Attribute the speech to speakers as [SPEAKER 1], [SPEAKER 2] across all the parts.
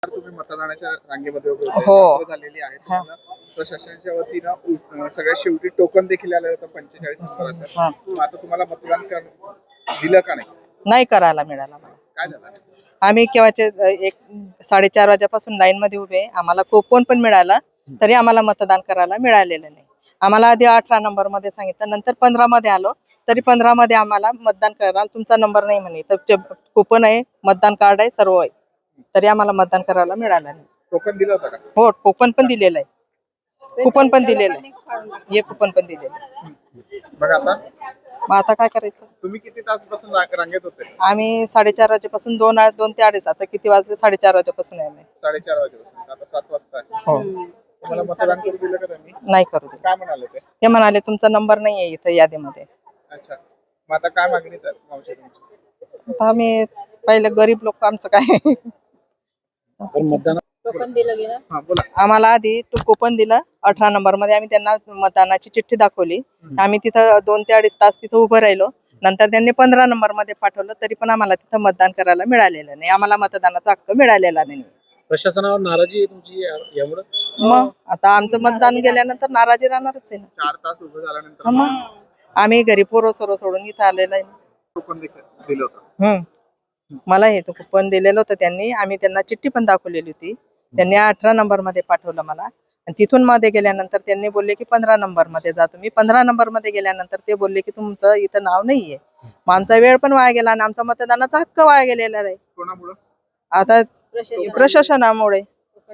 [SPEAKER 1] तुम्ही मतदानाच्या रांगेमध्ये उभे होते.
[SPEAKER 2] हो.
[SPEAKER 1] रात्र झालेली आहे. तुम्हाला प्रशासनाच्या वतीनं सगळ्यात शेवटी टोकन देखील आलं होतं 45 नंबराचं. मग आता तुम्हाला मतदान दिलं का नाही?
[SPEAKER 2] नाही करायला मिळाला मला.
[SPEAKER 1] काय झालं?
[SPEAKER 2] आम्ही केव्हाचे 4:30 वाजेपासून लाईन मध्ये उभे. आम्हाला कुपन पण मिळाला, तरी आम्हाला मतदान करायला मिळालेलं नाही. आम्हाला आधी 18 नंबर मध्ये सांगितलं, नंतर 15 मध्ये आलो, तरी 15 मध्ये आम्हाला मतदान करायला तुमचा नंबर नाही म्हणे. तर कुपन आहे, मतदान कार्ड आहे, सर्व आहे, तरी आम्हाला मतदान करायला मिळालं नाही.
[SPEAKER 1] टोकन दिलं होतं का?
[SPEAKER 2] हो, कुपन पण दिलेलं आहे. कुपन पण दिलेलं आहे. हे कुपन पण दिलेलं आहे.
[SPEAKER 1] मग आता
[SPEAKER 2] मग आता काय करायचं?
[SPEAKER 1] तुम्ही किती तासपासून रांगेत होते?
[SPEAKER 2] आम्ही 4:30 वाजेपासून 2 ते 2:30. आता किती वाजले? 4:30 वाजेपासून आहे आम्ही.
[SPEAKER 1] 4:30 वाजेपासून आता 7 वाजता आहे.
[SPEAKER 2] हो.
[SPEAKER 1] तुम्हाला मतदान करू दिलं का त्यांनी?
[SPEAKER 2] नाही करू दे.
[SPEAKER 1] काय म्हणाले ते?
[SPEAKER 2] ते म्हणाले तुमचा नंबर नाहीये इथं यादीमध्ये.
[SPEAKER 1] अच्छा. मग आता काय मागणी तर मावशी तुमची?
[SPEAKER 2] आता आम्ही पहिले गरीब लोक, आमचं काय
[SPEAKER 1] मतदान
[SPEAKER 3] टोकन दिलं गेलं.
[SPEAKER 1] हा बोला.
[SPEAKER 2] आम्हाला आधी कुपन दिलं 18 नंबर मध्ये. आम्ही त्यांना मतदानाची चिठ्ठी दाखवली. आम्ही तिथं 2 ते 2.5 तास तिथं उभं राहिलो. नंतर त्यांनी 15 नंबर मध्ये पाठवलं, तरी पण आम्हाला तिथं मतदान करायला मिळालेलं नाही. आम्हाला मतदानाचा हक्क मिळालेला नाही.
[SPEAKER 1] प्रशासनावर नाराजी आहे तुमची यामुळे?
[SPEAKER 2] मग आता आमचं मतदान गेल्यानंतर नाराजी राहणारच आहे ना.
[SPEAKER 1] 4 तास उभं झाल्यानंतर
[SPEAKER 2] मग आम्ही घरी पोरं सर्व सोडून इथं आलेलं आहे.
[SPEAKER 1] टोकन दिलं होतं.
[SPEAKER 2] मला हे तो कुपन दिलेलं होतं त्यांनी. आम्ही त्यांना चिठ्ठी पण दाखवलेली होती. त्यांनी 18 नंबर मध्ये पाठवलं मला, आणि तिथून मध्ये गेल्यानंतर त्यांनी बोलले की 15 नंबर मध्ये जा तुम्ही. 15 नंबर मध्ये गेल्यानंतर ते बोलले की तुमचं इथं नाव नाहीये. मग आमचा वेळ पण वाया गेला आणि आमचा मतदानाचा हक्क वाया गेलेला आहे.
[SPEAKER 1] कोणामुळे?
[SPEAKER 2] आता प्रशासनामुळे.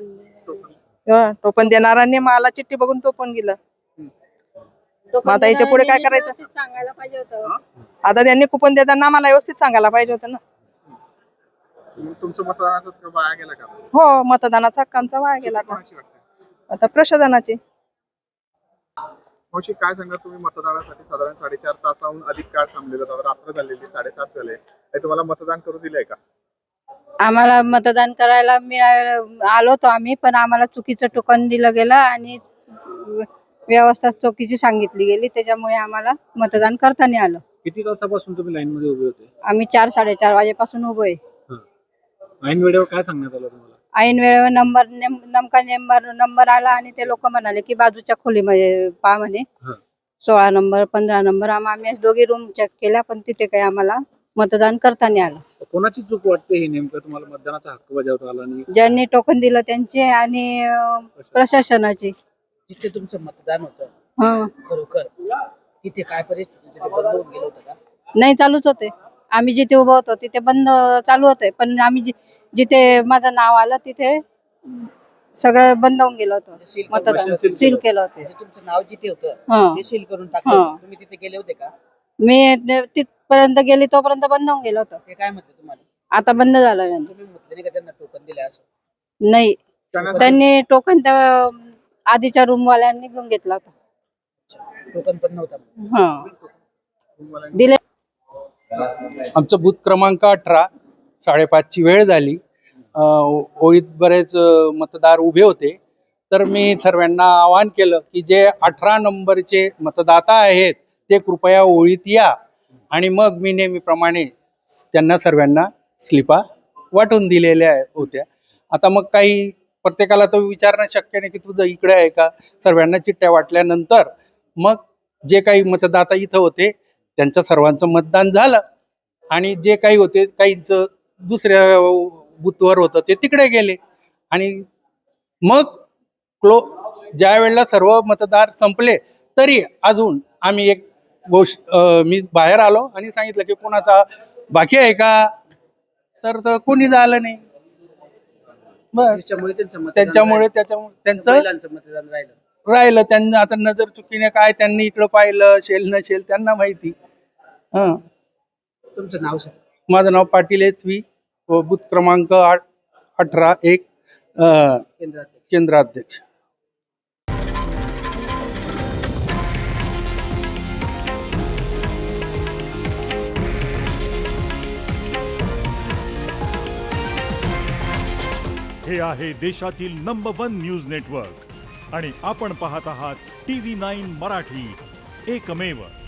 [SPEAKER 2] टोपण देणाऱ्यांनी मला चिठ्ठी बघून टोपण गेलं. मग आता याच्या पुढे काय करायचं?
[SPEAKER 3] सांगायला पाहिजे होतं.
[SPEAKER 2] आता त्यांनी कुपन देताना मला व्यवस्थित सांगायला पाहिजे होतं ना.
[SPEAKER 1] तुमचं मतदानाचा हक्क वाया गेला का?
[SPEAKER 2] हो, मतदानाचा हक्क आमचा वाया गेला. आता
[SPEAKER 1] कोणाची वाटते?
[SPEAKER 2] आता प्रशासनाची.
[SPEAKER 1] मावशी काय सांगा, तुम्ही मतदानासाठी साधारण 4.5 तासाहून अधिक काळ थांबलेला होता. रात्र झालेली 7:30 झाले. तुम्हाला मतदान करू दिलंय का?
[SPEAKER 3] आम्हाला मतदान करायला आलो होतो आम्ही, पण आम्हाला चुकीचं टोकन दिलं गेलं आणि व्यवस्था चुकीची सांगितली गेली. त्याच्यामुळे आम्हाला मतदान करता नाही आलं.
[SPEAKER 1] किती तासापासून तुम्ही लाईन मध्ये उभे होते?
[SPEAKER 3] आम्ही 4-4:30 वाजेपासून उभे.
[SPEAKER 1] ऐन वेळेवर काय सांगण्यात आलं तुम्हाला?
[SPEAKER 3] ऐन वेळेवर नंबर आला आणि ते लोक म्हणाले की बाजूच्या खोलीमध्ये पहा म्हणे. 16 नंबर 15 नंबर. आम्ही दोघी रूम चेक केल्या, पण तिथे काही आम्हाला मतदान करता नाही आलं.
[SPEAKER 1] कोणाची चूक वाटते हे नेमकं? तुम्हाला मतदानाचा हक्क बजावता आला नाही?
[SPEAKER 3] ज्यांनी टोकन दिलं त्यांचे आणि प्रशासनाची.
[SPEAKER 4] जिथे तुमचं मतदान होतं खरोखर तिथे काय परिस्थिती? तिथे बंद होऊन गेलं होतं का?
[SPEAKER 3] नाही, चालूच होते. आम्ही जिथे उभं होतो तिथे बंद चालू होते, पण आम्ही जिथे माझं नाव आलं तिथे सगळं बंद होऊन गेलं होतं. मतदान सील केलं होतं.
[SPEAKER 4] तुमचं नाव जिथे होतं ते सील करून टाकलं. तुम्ही तिथे गेले होते का?
[SPEAKER 3] मी तिथपर्यंत गेली तोपर्यंत बंद होऊन गेलं होतं.
[SPEAKER 4] ते काय म्हटलं तुम्हाला?
[SPEAKER 3] आता बंद झालं.
[SPEAKER 4] तुम्ही म्हटलं नाही का त्यांना टोकन दिले असं?
[SPEAKER 3] नाही, त्यांनी टोकन त्या आधीच्या रूम वाल्यांनी घेऊन घेतला होता.
[SPEAKER 4] टोकन पण नव्हता?
[SPEAKER 3] दिले.
[SPEAKER 5] आमचं बूथ क्रमांक 18. 5:30ची वेळ झाली. ओळीत बरेच मतदार उभे होते. तर मी सर्वांना आवाहन केलं की जे 18 नंबरचे मतदाता आहेत ते कृपया ओळीत या. आणि मग मी नेहमीप्रमाणे त्यांना सर्वांना स्लिपा वाटून दिलेल्या होत्या. आता मग काही प्रत्येकाला तर विचारणं शक्य नाही की तुझं इकडे आहे का. सर्वांना चिठ्ठ्या वाटल्यानंतर मग जे काही मतदाता इथं होते त्यांचं सर्वांचं मतदान झालं. आणि जे काही होते काहींचं दुसऱ्या बूथवर होतं ते तिकडे गेले. आणि मग ज्या वेळेला सर्व मतदार संपले तरी अजून आम्ही मी बाहेर आलो आणि सांगितलं की कोणाचा बाकी आहे का, तर कोणी झालं नाही. त्याच्यामुळे त्यांचं
[SPEAKER 4] मतदान
[SPEAKER 5] राहिलं. त्यांना आता नजर चुकीने काय त्यांनी इकडं पाहिलं शेल नशेल त्यांना माहिती.
[SPEAKER 4] तुमचं नाव सांग.
[SPEAKER 5] माझं नाव पाटील SV, बूथ क्रमांक 18-1, केंद्राध्यक्ष.
[SPEAKER 6] हे आहे देशातील नंबर 1 न्यूज नेटवर्क आणि आपण पाहत आहात TV9 मराठी, एकमेव.